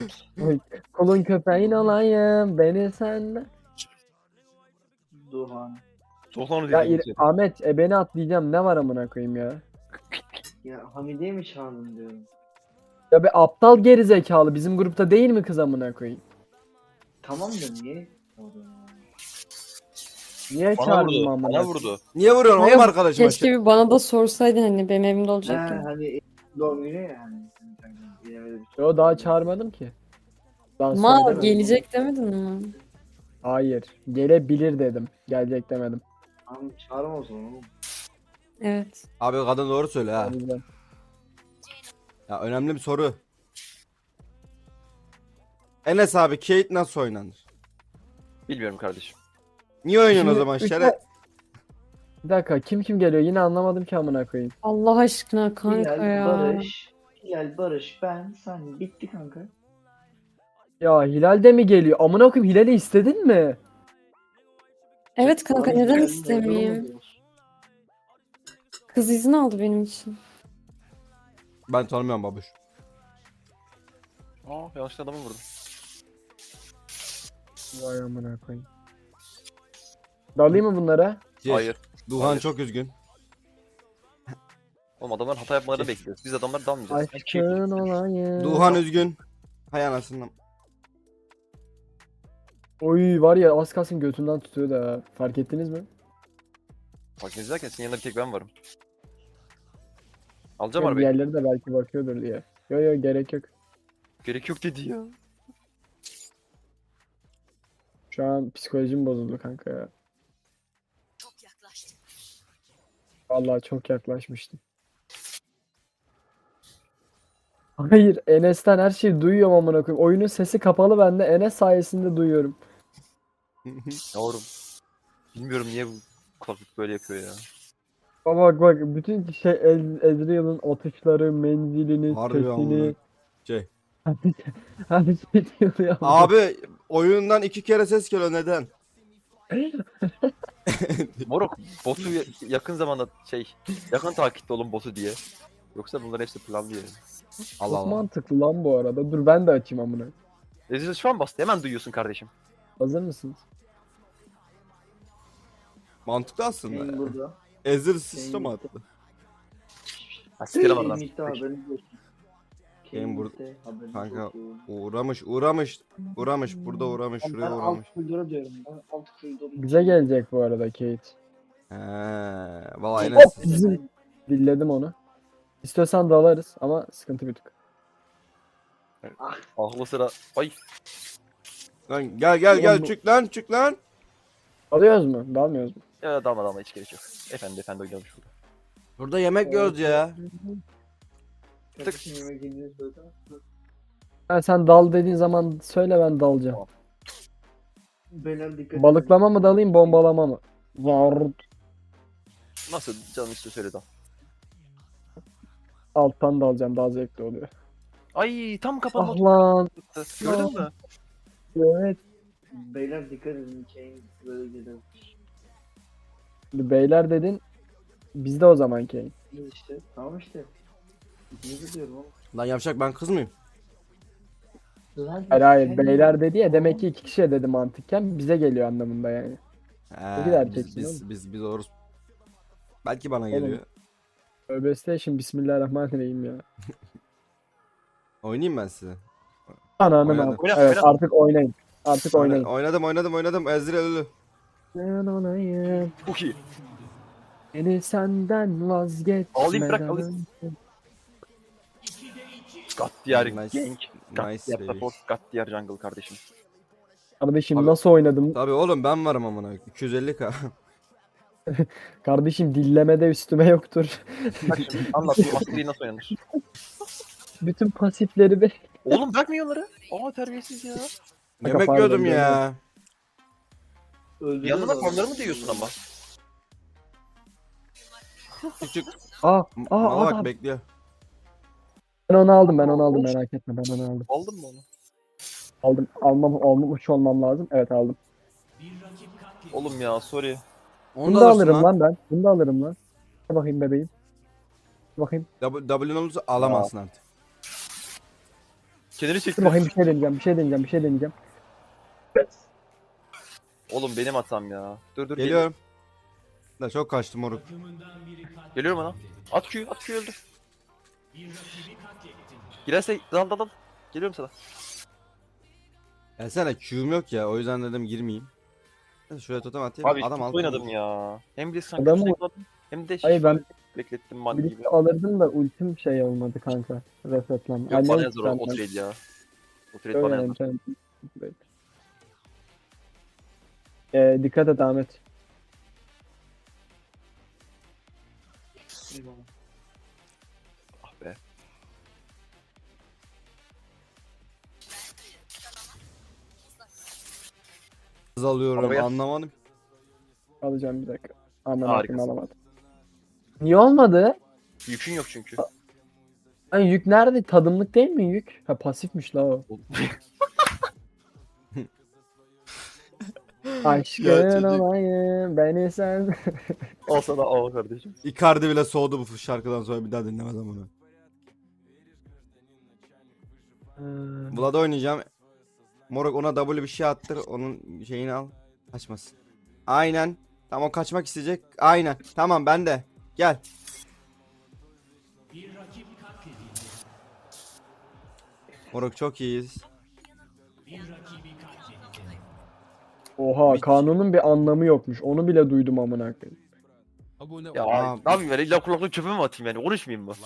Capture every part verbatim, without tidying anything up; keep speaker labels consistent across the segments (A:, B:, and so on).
A: Oy, kulun köpeğin olayım beni sen.
B: Duhan.
C: Soğan
A: Ya
C: dediğim
A: İr-
C: şey.
A: Ahmet e beni atlayacağım ne var amına koyayım ya.
B: Ya Hamide'yi mi çağırdın diyorum.
A: Ya be aptal geri zekalı bizim grupta değil mi kız amına koyayım?
B: Tamam da niye? çağırdın ya?
A: Niye
C: Bana
A: çağırdın
C: vurdu.
A: amına
C: Bana
A: koyayım?
C: vurdu.
D: Niye vuruyorsun
E: Hayır,
D: oğlum arkadaşıma?
E: Keşke bir bana da sorsaydın hani benim evimde
B: He
E: olacak ya.
B: hani doğum günü ya hani. Bilemedim.
A: Yo daha çağırmadım ki. Daha
E: Ma
A: söylemedim.
E: gelecek demedin mi?
A: Hayır. Gelebilir dedim. Gelecek demedim.
B: Tamam çağırma o zaman oğlum.
E: Evet.
D: Abi kadın doğru söyle ha.
A: O yüzden.
D: Ya önemli bir soru. Enes abi Kate nasıl oynanır?
C: Bilmiyorum kardeşim.
D: Niye oynuyorsun o
A: Şimdi
D: zaman
A: üç
D: şere?
A: Bir dakika kim kim geliyor yine anlamadım ki amına koyayım.
E: Allah aşkına kanka
B: Hilal,
E: ya.
B: Barış. Hilal, Barış, ben, sen. Bitti kanka.
A: Ya Hilal de mi geliyor? Amına koyayım Hilal'i istedin mi?
E: Evet kanka
B: Barış
E: neden
B: geldi,
E: istemeyeyim?
B: olur mu?
E: Kız izin aldı benim için.
D: Ben tanımıyorum babuş.
C: Aa yanlışlıkla adamı vurdum.
A: Vay amına koyayım. Dalayım mı bunlara?
D: Yes.
C: Hayır.
D: Duhan
C: Hayır.
D: çok üzgün.
C: Oğlum adamlar hata yapmalarını bekliyoruz. Biz adamları dalmayacağız. Ben keyif-
A: Aşkın olayım.
D: Duhan üzgün. Hay anasını.
A: Oy var ya az kalsın götünden tutuyor da fark ettiniz mi?
C: Bak ne izlerken senin yanında bir tek ben varım. Alacağım
A: Yani
C: arabayı.
A: diğerleri de belki bakıyordur diye. Yo yo gerek yok.
C: Gerek yok dedi ya.
A: Şu an psikolojim bozuldu kanka ya. Vallahi çok yaklaşmıştım. Hayır Enes'ten her şeyi duyuyorum amına koyayım. Oyunun sesi kapalı ben de Enes sayesinde duyuyorum.
C: Yavrum. Bilmiyorum niye bu kulaklık böyle yapıyor ya.
A: Ama bak bak bütün şey Ez- Ezreal'ın atışları, menzilini,
D: Harbi
A: sesini.
D: amına. Şey.
A: Her şey duyuluyor.
D: Abi oyundan iki kere ses geliyor neden?
C: Moruk botu ya- yakın zamanda şey yakın takipte olun botu diye. Yoksa bunların hepsi planlı yani.
D: Allah
A: Çok
D: Allah.
A: mantıklı lan bu arada. Dur ben de açayım amına.
C: Ezreal şu an bastı hemen duyuyorsun kardeşim.
A: Hazır mısınız?
D: Mantıklı aslında
B: Senin
D: ya.
B: burada.
D: Ezir sistem
B: Senin
D: attı.
C: Ha sikerim
B: Senin
C: oradan.
B: bitti haberiniz olsun.
D: Benim
B: Senin
D: burada-
B: bitti, haberiniz
D: Kanka
B: olsun.
D: uğramış uğramış. Uğramış burada uğramış
B: Ben
D: şuraya
B: alt
D: uğramış.
B: koridora diyorum. Ben alt koridora.
A: Bize gelecek bu arada Kate.
D: He, vallahi
A: Hop!
D: Enes.
A: Bizim- Dilledim onu. İstiyorsan dalarız ama sıkıntı bir tık.
C: Aklı sıra. Ay.
D: Lan gel gel gel
A: Oğlum bu-
D: çık lan çık lan.
A: Dalıyoruz mu? Dalmıyoruz mu?
C: Ya dalma dalma hiç gerek yok. Efendi efendi oynuyormuş burada.
D: Burada yemek yiyoruz ya.
B: Kardeşim yemek yediğini söyle.
A: Ha, sen dal dediğin zaman söyle ben dalacağım.
C: Tamam.
B: Beyler dikkat edin.
A: Balıklama mı dalayım bombalama mı? Var.
C: Nasıl canım işte söyle dal.
A: Alttan dalacağım daha zevkli oluyor.
C: Ay tam kapandı.
A: Ah lan.
C: Gördün mü?
A: Evet.
B: Beyler dikkat edin. Kane böyle gidelim.
A: Beyler dedin. Bizde o zaman Kane.
B: Biz işte. Tamam işte. Ne diyorum oğlum.
D: Lan yapacak ben kız mıyım?
B: Lan
A: Hayır hayır
B: sen-
A: beyler dedi ya demek ki iki kişiye dedi mantıkken bize geliyor anlamında yani.
D: He,
A: Bir de
D: biz
A: erkeksin
D: biz, biz biz oruz. Belki bana
A: Oğlum.
D: geliyor.
A: Öbestation bismillahirrahmanirrahim ya.
D: Oynayayım ben size.
A: Ananın
D: Oynadım.
A: am-
C: Oyna,
A: Evet
C: oyna.
A: artık oynayın. Artık oynayın.
D: Oynadım oynadım oynadım. Ezreal ölü.
A: Ben olayım.
C: Çok iyi.
A: Beni senden vazgeçmeden.
C: Alayım, bırak, alayım. Gat diğer
D: Nice.
C: gank. Gat
D: Nice
C: diğer
D: baby.
C: support. Gat diğer jungle kardeşim.
A: Kardeşim
D: Abi-
A: nasıl oynadım?
D: Tabii oğlum ben varım amına. iki yüz elli k.
A: Kardeşim dillemede üstüme yoktur.
C: Bak şimdi anlat bu mastery nasıl oynanır.
A: Bütün pasifleri be.
C: Oğlum bırakmıyor onları. Aa terbiyesiz ya.
D: Yemek
A: pardon,
D: yiyordum
A: yemek.
D: ya.
B: Öldürüyor
C: Yanına da
B: adamı.
C: formları mı diyorsun ama?
D: Küçük.
A: Aa, aa
D: Mala bak
A: adam.
D: bekliyor.
A: Ben onu aldım ben onu aldım merak etme ben onu aldım.
C: Aldın mı onu?
A: Aldım almam almış olmam lazım. Evet aldım.
C: Oğlum ya sorry.
D: Onu
A: Bunu
D: da
A: da
D: alırsın
A: alırım
D: lan.
A: lan ben. Bunu da alırım lan. Dur bakayım bebeğim. Dur bakayım.
D: W W'nin olursa alamazsın artık.
C: Kenara
A: Dur
C: çekti.
A: bakayım bir şey deneyeceğim. Bir şey deneyeceğim. Bir şey deneyeceğim.
C: Oğlum benim hatam ya. Dur dur.
D: Geliyorum. Da çok kaçtı moruk.
C: Geliyorum ana. At Q'yu, at Q'yu öldür. Girerse dal dal dal. Geliyorum sana.
D: Gelsene Q'm yok ya o yüzden dedim girmeyeyim. Neyse şuraya totem atayım.
C: Abi
D: Adam
C: çok
D: altı
C: oynadım
D: vurdu.
C: ya. Hem bir sanki
A: Adamı-
C: sürekli hem de
A: Hayır, ben-
C: beklettim man gibi.
A: Birlikte alırdım da ultim şey olmadı kanka. Resetlen.
C: Yok bana yazar o, o trade ya. O trade bana yazar.
A: Ee, dikkat et Ahmet.
B: Eyvallah.
C: Ah be.
D: Hız alıyorum
C: Arabaya-
D: anlamadım.
A: Alacağım bir dakika. Aman
C: Harikasın.
A: akım alamadım. Niye olmadı?
C: Yükün yok çünkü.
A: Ay yük nerede? Tadımlık değil mi yük? Ha pasifmiş la o. Aşkın
D: çocuk.
A: olayım beni sen.
C: Al sana al kardeşim.
D: Icardi bile soğudu bu şarkıdan sonra bir daha dinlemez ama bunu. Vlad'a oynayacağım. Moruk ona W bir şey attır. Onun şeyini al. Kaçmasın. Aynen. Tamam o kaçmak isteyecek. Aynen. Tamam ben de. Gel. Moruk çok iyiyiz.
A: Oha kanunun bir anlamı yokmuş. Onu bile duydum amına koyayım.
C: Ya
D: Aa,
C: ne yapayım yani illa kulaklığı çöpe mi atayım yani konuşmayayım mı?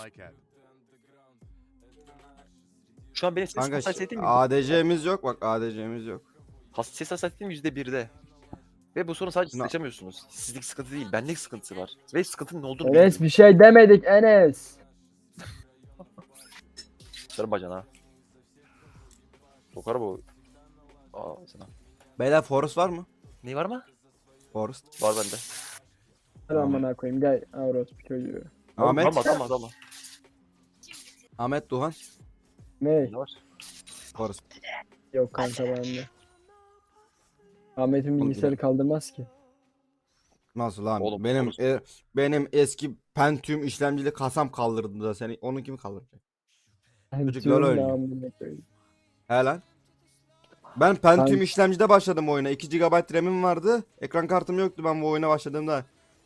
C: Şu an benim ses
D: Kanka
C: hassasiyetim
D: A D C'miz yok bak A D C'miz yok.
C: has ses hassasiyetim yüzde birde. Ve bu sorun sadece siz
D: Na-
C: yaşamıyorsunuz. Sizlik sıkıntı değil, benlik sıkıntısı var. Ve sıkıntının ne olduğunu
A: Enes
C: bilmiyorum.
A: bir şey demedik Enes.
C: Sarı bacana. Sokar bu. Aa sana.
D: Beyler Forest var mı?
C: Ne var mı?
D: Forest.
C: Var bende.
A: Hadi amına koyayım gel Avros bir çocuğu.
D: Ahmet.
C: Tamam tamam tamam.
D: Ahmet Duhan.
A: Ne?
C: Ne var?
D: Forest.
A: Yok kanka bende. Ahmet'in
D: Oğlum,
A: bilgisayarı kaldırmaz ki.
D: Nasıl lan?
C: Oğlum,
D: benim
C: Forest.
D: e, benim eski Pentium işlemcili kasam kaldırdı da seni. Onun kimi kaldıracak? Çocuk
A: Diyorum
D: LoL
A: ya,
D: oynuyor.
A: amına koyayım.
D: He lan. Ben Pentium
A: Ben-
D: işlemcide başladım oyuna. iki gigabayt RAM'im vardı. Ekran kartım yoktu ben bu oyuna başladığımda.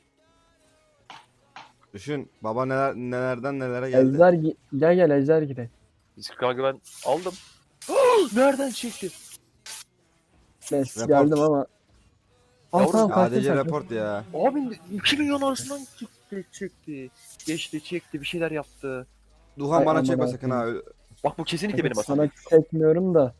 D: Düşün baba neler nelerden nelere geldi.
A: Ejder gi- gel gel Ejder gidelim.
C: Biz kanka ben aldım. Nereden çekti?
A: Neyse
D: Report.
A: geldim ama. Aa
C: Yavrum,
A: tamam kaçtın
D: A D C
A: sen.
D: report ya.
C: Abi iki milyon arasından çıktı çekti. Geçti çekti bir şeyler yaptı.
D: Duhan
A: Ay,
D: bana
A: aman
D: çekme
A: Allah'ım.
D: sakın ha.
C: Bak bu kesinlikle benim hatam.
A: Sana çekmiyorum da.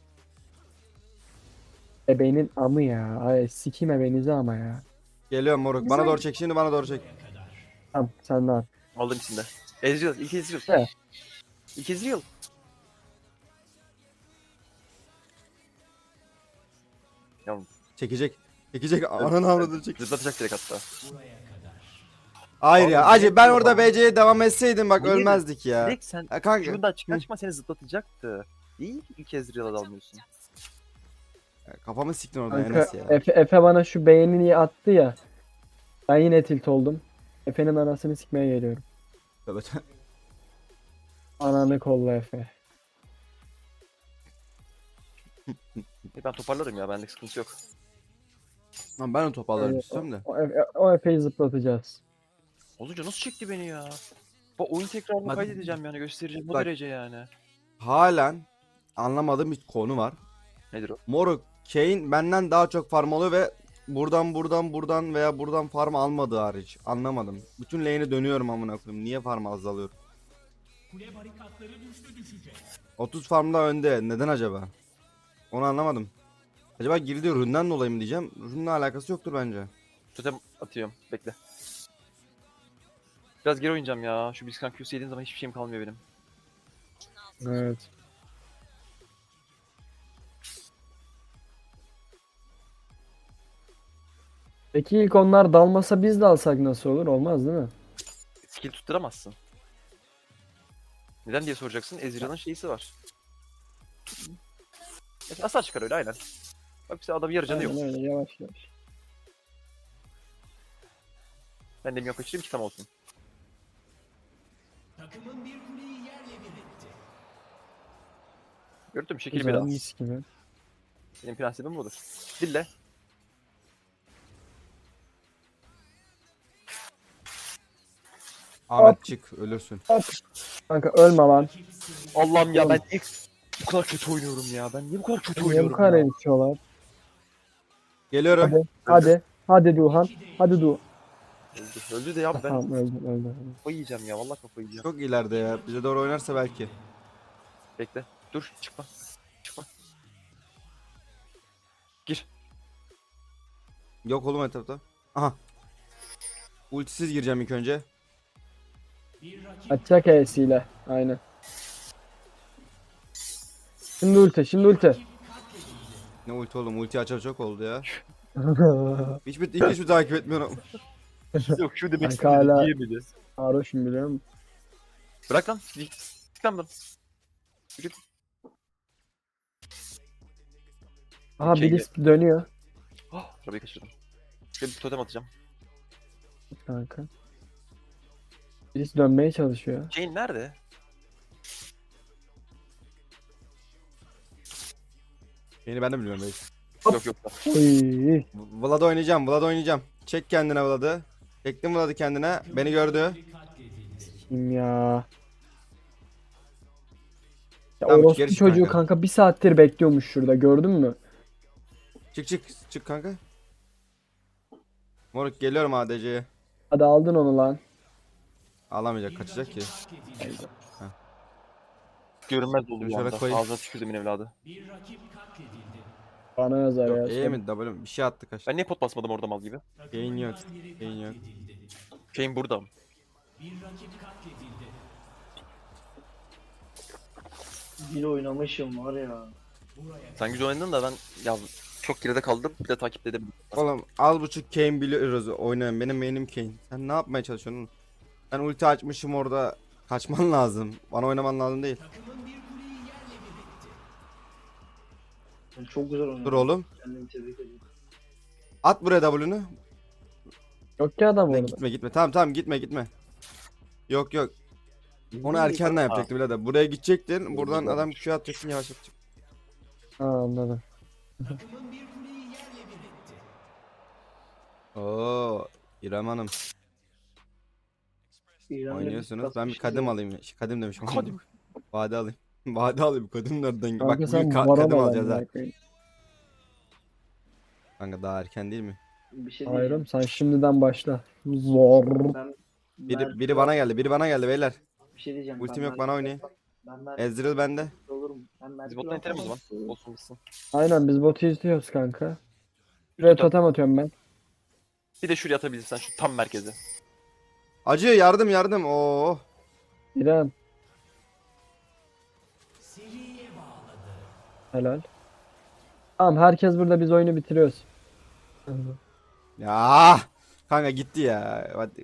A: Ebeğinin amı ya. Ay sikeyim ebenizi ama ya.
D: Geliyorum moruk. Bana doğru çek şimdi bana doğru çek.
A: Tamam sen de al.
C: Aldım içinde. Ezreal, ilk Ezreal.
A: He.
C: İlk Ezreal. Yalnız
D: Çekecek. Çekecek. Ananı avradını çek.
C: zıplatacak direkt hatta.
D: Hayır ya.
C: Oğlum,
D: Acı ben
C: ne
D: orada
C: yapıyor
D: B C'ye devam etseydim bak
C: Hayır.
D: ölmezdik ya.
C: Direkt sen
D: Ha, kanka.
C: şuradan çıkan çıkma seni zıplatacaktı. İyi ki ilk Ezreal'a dalmıyorsun.
D: Kafamı siktin oradan
A: Kanka
D: Enes ya.
A: Efe, Efe bana şu beğenini attı ya. Ben yine tilt oldum. Efe'nin anasını sikmeye geliyorum. Ananı kolla Efe.
C: E ben toparlarım ya benlik sıkıntı yok.
D: Lan ben de toparlarım
A: Evet,
D: istiyorum da.
A: O, Efe, o Efe'yi zıplatacağız.
C: Olunca nasıl çekti beni ya? Bak oyun tekrarını
D: Bak-
C: kaydedeceğim yani göstereceğim bu
D: Bak-
C: derece yani.
D: Halen anlamadığım bir konu var.
C: Nedir o?
D: Moruk Kane benden daha çok farm alıyor ve buradan buradan buradan veya buradan farm almadığı hariç. Anlamadım. Bütün lane'e dönüyorum amına koyayım. Niye farm az alıyorum? otuz farmda önde. Neden acaba? Onu anlamadım. Acaba girdiği ründen dolayı mı diyeceğim. Rünle alakası yoktur bence.
C: Totem atıyorum bekle. Biraz geri oynayacağım ya. Şu Blitzcrank Q'su yediğim zaman hiçbir şeyim kalmıyor benim.
A: Evet. Peki ilk onlar dalmasa biz de alsak nasıl olur? Olmaz değil mi?
C: Skill tutturamazsın. Neden diye soracaksın. Ezreal'ın şeysi var. Evet, hasar çıkar öyle aynen. Bak bize adam yarı canı yok.
A: Aynen öyle yavaş yavaş.
C: Ben de mi yok kaçırayım ki tam olsun. Gördün mü? Şekil bir
A: Güzel
C: daha.
A: mis gibi.
C: Senin prensibin budur. Dille.
D: Ahmet çık ölürsün.
A: Kanka ölme lan.
C: Allah'ım ya
A: Oğlum.
C: ben niye bu kadar kötü oynuyorum ya? Ben niye bu kadar kötü
A: Niye bu
C: oynuyorum
A: kadar
C: ya?
A: eritiyorlar?
D: Geliyorum.
A: Hadi. Hadi. Hadi Duhan. Hadi Du.
C: Öldü. Öldü de ya ben
A: Tamam öldü öldü.
C: kafayı yiyeceğim ya. Vallahi kafayı yiyeceğim.
D: Çok ileride ya. Bize doğru oynarsa belki.
C: Bekle. Dur çıkma. Çıkma. Gir.
D: Yok oğlum etapta. Aha. Ultisiz gireceğim ilk önce.
A: Açacak E'siyle. Aynen. Şimdi ulti. Şimdi ulti.
D: Ne ulti oğlum? Ulti açalı çok oldu ya. Hiçbir, hiç hiçbir takip etmiyorum.
C: Yok şu demek
A: Kanka
C: istedi.
A: hala-
C: Diyemedi.
A: Sarhoşum biliyor musun?
C: Bırak lan. Git. Git lan buradan. Git.
A: Aha
C: Şey-
A: Bilis dönüyor.
C: Oh, arabayı kaçırdım. Şöyle bir totem atacağım.
A: Kanka. Bilis dönmeye çalışıyor.
C: Jane nerede?
D: Beni ben de bilmiyorum belki.
C: Yok yok. Yok.
A: Oy.
D: Vlad oynayacağım. Vlad oynayacağım. Çek kendine Vlad'ı. Çektim Vlad'ı kendine. Beni gördü.
A: Kim ya? Ya
D: Tamam,
A: orospu
D: geri çık
A: çocuğu
D: kanka.
A: kanka bir saattir bekliyormuş şurada gördün mü?
D: Çık çık. Çık kanka. Moruk geliyorum A D C'ye.
A: Hadi aldın onu lan.
D: Alamayacak kaçacak ki.
C: Görünmez oldu
D: Şöyle
C: bir anda.
D: koyayım.
C: Ağzına tükürdüm evladı.
A: Bana yazar ya.
D: Yok E mi W mi? Bir şey attı kaç.
C: Ben niye pot basmadım orada mal gibi?
D: Gain yok. Gain yok.
C: Jane burada.
B: Bir oynamışım var ya.
C: Sen güzel oynadın da ben ya çok geride kaldım. Bir de takip edemedim.
D: Oğlum az buçuk Kane biliyoruz oynayan. Benim main'im Kane. Sen ne yapmaya çalışıyorsun? Ben ulti açmışım orada. Kaçman lazım. Bana oynaman lazım değil.
B: Ben çok güzel oynadım.
D: Dur oğlum.
B: Kendimi tebrik ediyorum.
D: At buraya W'nü.
A: Yok ki adam
D: Lan
A: orada.
D: gitme gitme. Tamam tamam gitme gitme. Yok yok. Onu erkenden yapacaktı birader. Buraya gidecektin. Buradan adam Q atacaksın yavaş yapacak.
A: Ha anladım.
D: Oo, İrem Hanım
B: İran'da
D: oynuyorsunuz.
B: biraz
D: Ben bir
B: şey
D: kadim
B: yok.
D: alayım. Şey, Kadim demişim.
C: Kadim.
D: Vade alayım. Vade alayım. Kadim nereden? Bak
A: Kanka
D: bugün
A: sen
D: ka-
A: vara
D: kadim
A: mı
D: alacağız ha.
A: lan?
D: Kanka daha erken değil mi?
B: Bir şey
A: Hayırım
B: diyeceğim.
A: sen şimdiden başla. Zor.
B: Ben
D: Biri,
B: Mert-
D: biri bana geldi. Biri bana geldi beyler.
B: bir şey diyeceğim.
D: Ultim
B: Ben
D: yok,
B: Mert-
D: bana oynayın.
B: Ben Mert
D: Ezreal bende.
B: olurum. Ben Mert
C: Biz bottan itelim o zaman. Olsun gitsin.
A: Aynen biz botu izliyoruz kanka. Şuraya totem atıyorum ben.
C: Bir de şuraya atabilirsen şu tam merkeze.
D: Acı yardım yardım. Oo.
A: İrem. Helal. Tamam herkes burada biz oyunu bitiriyoruz.
D: Ya. Kanka gitti ya. Hadi.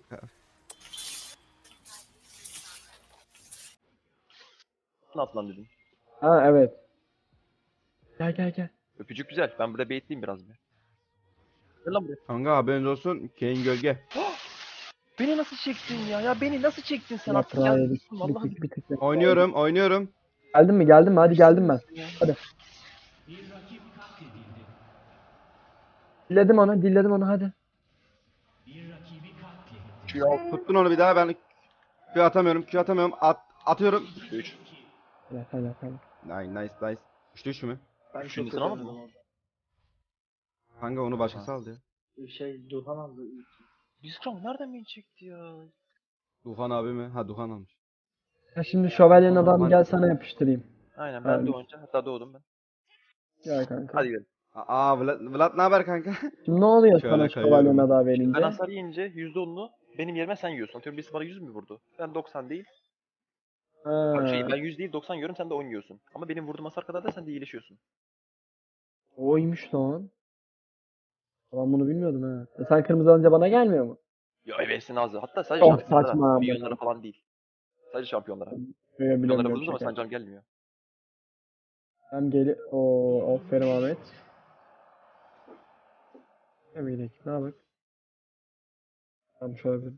C: Ne at lan dedim.
A: Ha evet. Gel gel gel.
C: Öpücük güzel. Ben burada baitleyeyim biraz bir. Gel lan buraya.
D: Kanka haberiniz olsun. Kane gölge.
C: Beni nasıl çektin ya? Ya beni nasıl çektin sen artık?
A: Yaprağı
C: Ya,
A: yedik. Bir
C: vallahi
A: tık bir tık. bir tık.
D: Oynuyorum oynuyorum.
A: Geldin mi geldin mi? Hadi geldim ben. Hadi. Dilledim onu, dilledim onu hadi.
D: Tuttun onu bir daha ben Q atamıyorum. Q atamıyorum. At atıyorum.
C: üç.
A: Helal helal helal.
D: Nice nice nice. Üçlü üç mü?
B: Ben
C: Şimdi
B: çok
C: sen
B: kötü
C: almadın
B: oynadım orada.
D: Kanka onu başkası aldı ya.
B: Bir şey Duhan aldı.
C: Bizkram nereden beni çekti ya?
D: Duhan abi mi? Ha Duhan almış.
A: Ya şimdi şövalyenin adamı
D: Var.
A: gel sana yapıştırayım.
C: Aynen ben
A: Aynen.
C: doğunca hatta doğdum ben.
A: Gel kanka.
C: Hadi gidelim.
D: Aa Vlad, Vlad ne haber kanka?
A: Şimdi ne oluyor
D: Şöyle
A: sana
D: kayıyorum.
A: şövalyenin adamı
C: Ben
A: verince?
C: hasar yiyince yüzde onunu benim yerime sen yiyorsun. Atıyorum birisi bana yüz mü vurdu? Ben doksan değil.
A: Ha.
C: Şey, ben yüz değil doksan yiyorum sen de on yiyorsun. Ama benim vurduğum hasar kadar da sen de iyileşiyorsun.
A: Oymuş lan. Ben bunu bilmiyordum ha. E sen kırmızı alınca bana gelmiyor mu?
C: Ya evesin ağzı. Hatta sadece
A: Çok
C: şampiyonlara,
A: saçma ama.
C: milyonlara falan değil. Sadece şampiyonlara.
A: Böyle
C: Milyonlara
A: bilemiyorum
C: vurduğun zaman
A: şaka.
C: sen can gelmiyor.
A: Hem geli... Oo, aferin Ahmet. Ne bileyim, ne yapayım? Tamam şöyle bir...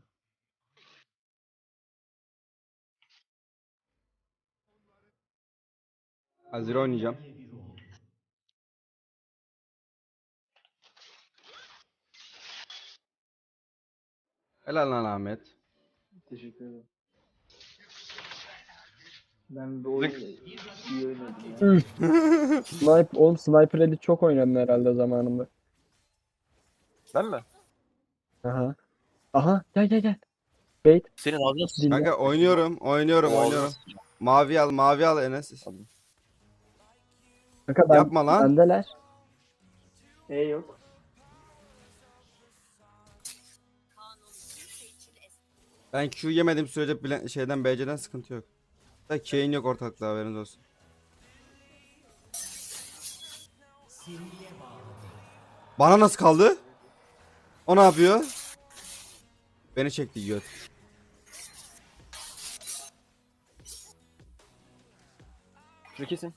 D: Azir oynayacağım. Helal lan Ahmet.
B: Teşekkür ederim. Ben bu oyunu iyi oynadım ya.
A: Üf. Sniper, oğlum Sniper Elite çok oynadın herhalde zamanında.
C: Ben mi?
A: Aha. Aha gel gel gel. Bait
C: Senin ağzına s-
A: dinle.
D: Kanka oynuyorum, oynuyorum,
C: Ağzına
D: oynuyorum.
C: s-
D: Mavi al, mavi al Enes.
A: Kanka ben,
D: Yapma lan.
A: bendeler.
B: E yok.
D: Ben Q yemedim sürece bile, şeyden B C'den sıkıntı yok. Da Kayn yok ortalıkta, haberiniz olsun. Bana nasıl kaldı? O ne yapıyor? Beni çekti göt.
C: Şunu kesin.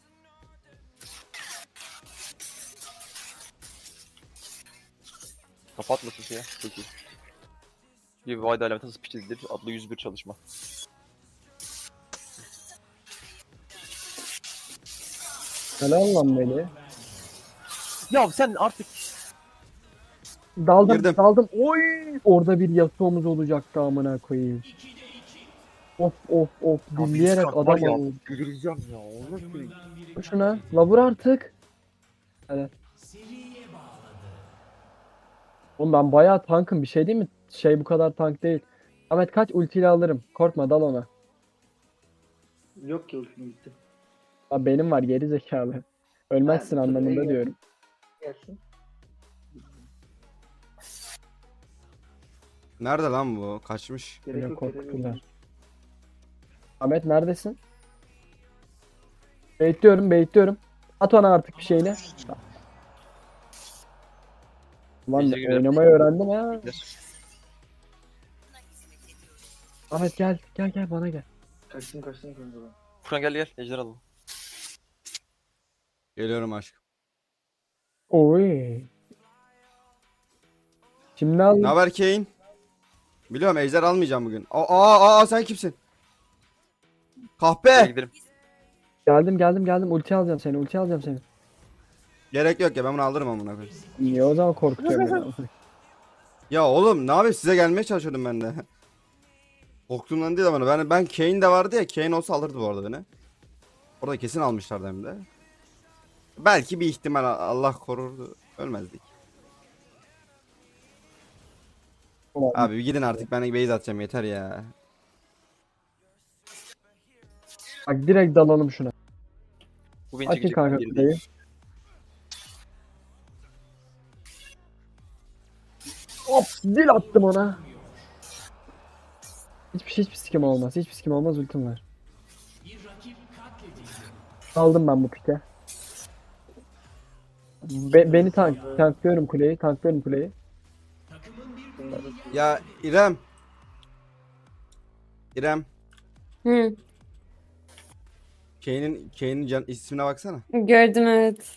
C: Kapatmasın şeye. Çok iyi. Bir Vayda alameti nasıl piç edilir adlı yüz bir çalışma.
A: Helal lan beni.
C: Ya sen artık
A: Daldım
D: Girdim.
A: daldım. Oy! Orada bir Yasuo'muz olacaktı amına koyayım. Of of of dinleyerek adam aldım.
C: Güleceğim ya. O nasıl bir...
A: Şuna la vur artık. Hadi. Oğlum ben bayağı tankım bir şey değil mi? Şey bu kadar tank değil. Ahmet kaç ultiyle alırım. Korkma dal ona.
B: Yok ki ultim gitti.
A: Lan benim var geri zekalı. Ölmezsin
B: Ha, dur,
A: anlamında
B: iyi.
A: diyorum.
B: Gelsin.
D: Nerede lan bu? Kaçmış.
B: Gerek
A: Böyle
B: yok. gerek yok.
A: korktular. Ahmet neredesin? Baitliyorum baitliyorum. At ona artık bir şeyle. Lan
C: Ejder gibi
A: oynamayı öğrendim ha.
C: Gider.
A: Ahmet gel gel gel bana gel.
B: Kaçtım kaçtım kanka ben.
C: Furkan gel gel. Ejder alalım.
D: Geliyorum aşkım.
A: Oy. Şimdi al.
D: Ne haber Kayn? Biliyorum ejder almayacağım bugün. Aa, aa, aa sen kimsin?
C: Gel
D: Kahpe.
C: gidelim.
A: Geldim geldim geldim ulti alacağım seni ulti alacağım seni.
D: Gerek yok ya, ben bunu alırım amına koyayım.
A: Niye o zaman korkutuyorum beni?
D: Ya oğlum ne yapayım, size gelmeye çalışıyordum ben de. Korktuğumdan değil ama ben ben Kayn de vardı ya, Kayn olsa alırdı bu arada beni. Orada kesin almışlardı hem de. Belki bir ihtimal, Allah korurdu, ölmezdik. Abi bir gidin artık, ben base atacağım yeter ya.
A: Bak direkt dalalım şuna.
C: Bu beni
A: Açın
C: çekecek.
A: kanka
C: Geri
A: kuleyi.
C: değil.
A: Hop dil attım ona. Hiçbir şey hiçbir sikim olmaz. Hiçbir sikim olmaz ultim var. Aldım ben bu pike. Be- beni tank tanklıyorum kuleyi. Tanklıyorum kuleyi.
D: Ya İrem. İrem.
E: Hı,
D: Kane'in Kane'in can ismine baksana.
E: gördüm evet.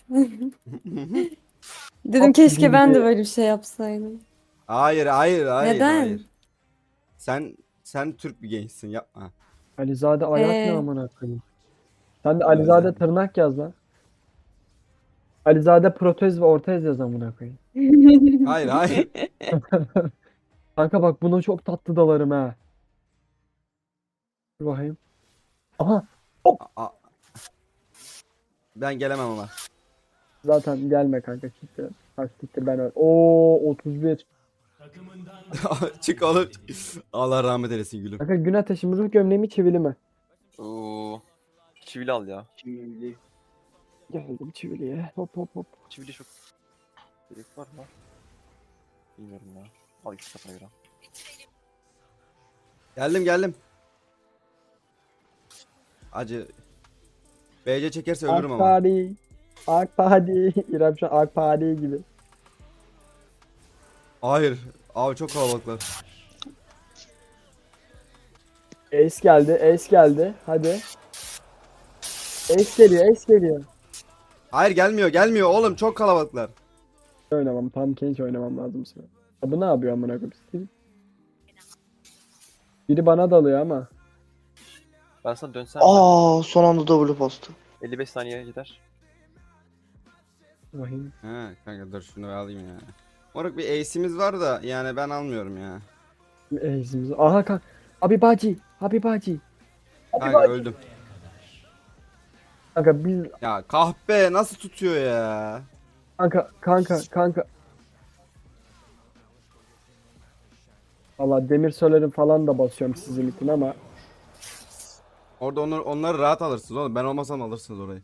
E: Dedim
A: Hop,
E: keşke ben de
A: bildi.
E: böyle bir şey yapsaydım.
D: Hayır hayır hayır.
E: Neden?
D: Hayır. Sen sen Türk bir gençsin, yapma.
A: Alizade ayak ne
E: Ee.
A: amına koyayım. Sen de Alizade tırnak yaz lan. Alizade protez ve ortez yaz amına koyayım.
D: Hayır hayır.
A: Kanka bak buna çok tatlı dalarım ha. Dur bakayım. Aha
D: Aa. Ben gelemem ama.
A: zaten gelme kanka siktir. Kaç siktir ben öl. Oo otuz bir.
D: Çık oğlum. Allah rahmet eylesin gülüm.
A: Kanka gün ateşi mi ruh gömleği mi çivili mi?
C: Oo. Çivili al ya.
B: Şimdi
A: Geldim çiviliye. Hop hop hop.
C: Çivili çok. Gerek var mı? Bilmiyorum ya. Al iki kafana göre.
D: Geldim geldim. Acı. B C çekerse ölürüm ama.
A: Akpari. Akpari. İrem şu an Akpari gibi.
D: Hayır. Abi çok kalabalıklar.
A: Ace geldi. Ace geldi. Hadi. Ace geliyor. Ace geliyor.
D: Hayır gelmiyor gelmiyor oğlum, çok kalabalıklar.
A: Oynamam. Pumpkin hiç oynamam lazım sana. Ya bu ne yapıyor amına koyayım? Biri bana dalıyor ama.
C: Ben sana dönsem.
F: Aa son anda double postu.
C: elli beş saniye gider.
A: Bakayım.
D: He kanka dur şunu alayım ya. Moruk bir ace'imiz var da yani ben almıyorum ya.
A: Eğizimiz. Aha kanka. Abi bacı. Abi bacı.
D: Kanka öldüm.
A: Kanka biz
D: Ya kahpe nasıl tutuyor ya?
A: kanka kanka kanka. Valla demir söylerim falan da basıyorum sizin için ama
D: Orada onlar, onları rahat alırsınız oğlum. Ben olmasam alırsınız orayı.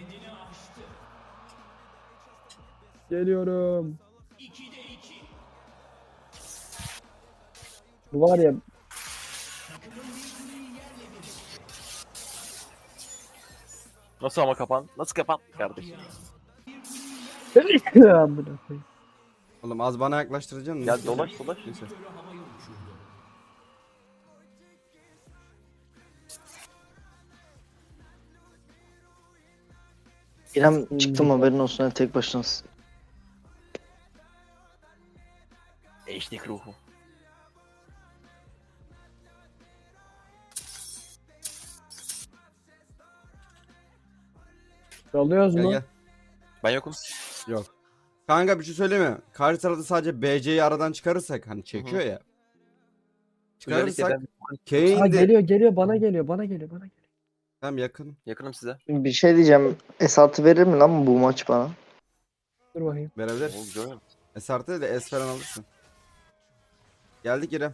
A: geliyorum. Bu var ya
C: Nasıl ama kapan? Nasıl kapan kardeşim?
A: Amına koyayım.
D: Oğlum az bana yaklaştıracaksın.
C: Gel dolaş dolaş.
D: Neyse.
B: İrem çıktım haberin olsun ha, tek başınasın.
C: Eşlik ruhu.
A: Alıyoruz
D: Gel
A: mu?
D: gel.
C: Ben yokum.
D: Yok. Kanka bir şey söyleyeyim mi? Karşı tarafta sadece B C'yi aradan çıkarırsak hani çekiyor ya.
C: Özellikle
D: Çıkarırsak
C: ben
A: Ha,
D: Kane de
A: geliyor geliyor bana geliyor bana geliyor bana geliyor.
D: tam yakın.
C: yakınım size.
B: Bir şey diyeceğim. S altı verir mi lan bu maç bana?
A: Dur bakayım.
D: Verebilir.
C: Oğlum güzel mi?
D: S artı de S falan alırsın. Geldik İrem.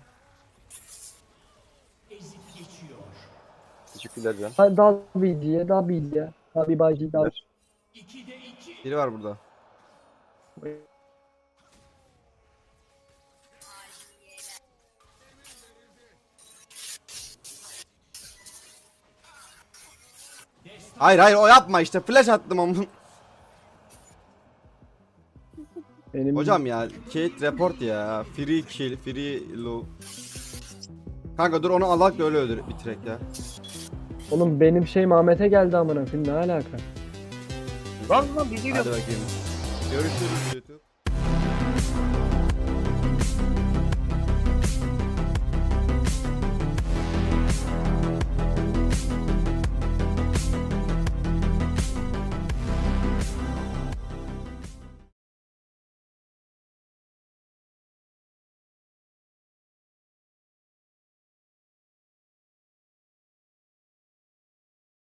C: Teşekkürler Can.
A: Hadi daha bir diye daha bir diye. Daha bir bacı daha.
D: Biri var burada. Hayır hayır o yapma işte flash attım ama.
A: Benim
D: Hocam ya Kate report ya. Free kill, free low. Kanka dur onu alak da öyle öldür bitirek ya.
A: Oğlum benim şey Ahmet'e geldi amına koyayım ne alaka?
C: Lan lan bir
D: Hadi bakayım. Görüşürüz YouTube.